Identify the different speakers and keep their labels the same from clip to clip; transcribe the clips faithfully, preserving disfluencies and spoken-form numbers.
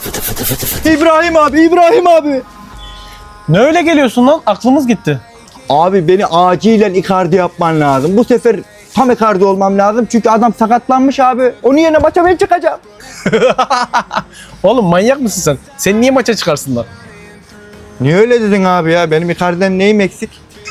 Speaker 1: İbrahim abi, İbrahim abi.
Speaker 2: Ne öyle geliyorsun lan? Aklımız gitti.
Speaker 1: Abi beni acilen Icardi yapman lazım. Bu sefer tam Icardi olmam lazım. Çünkü adam sakatlanmış abi. Onun yerine maça ben çıkacağım.
Speaker 2: Oğlum manyak mısın sen? Seni niye maça çıkarsınlar?
Speaker 1: Niye öyle dedin abi ya? Benim Icardi'den neyim eksik?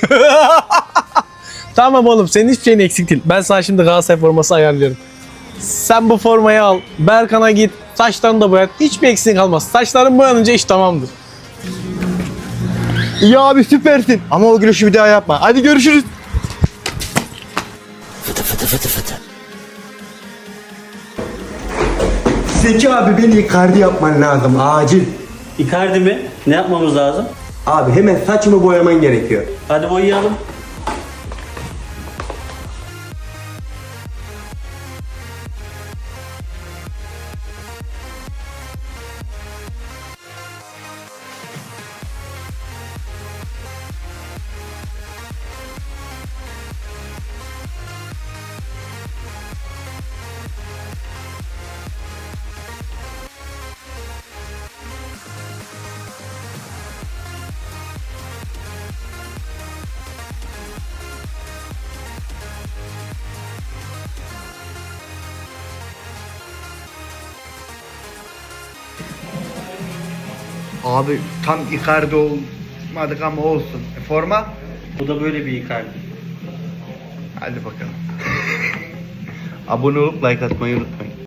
Speaker 2: Tamam oğlum, senin hiçbir şeyin eksik değil. Ben sana şimdi Galatasaray forması ayarlıyorum. Sen bu formayı al. Berkan'a git. Saçlarını da boyat. Hiçbir eksiğin kalmaz. Saçların boyanınca iş tamamdır.
Speaker 1: İyi abi süpersin. Ama o gülüşü bir daha yapma. Hadi görüşürüz. Zeki abi beni Icardi yapman lazım acil.
Speaker 3: Icardi mi? Ne yapmamız lazım?
Speaker 1: Abi hemen saçımı boyaman gerekiyor.
Speaker 3: Hadi boyayalım.
Speaker 1: Abi tam Icardi olmadık ama olsun. E, forma?
Speaker 3: Bu da böyle bir Icardi.
Speaker 1: Hadi bakalım. Abone olup like atmayı unutmayın.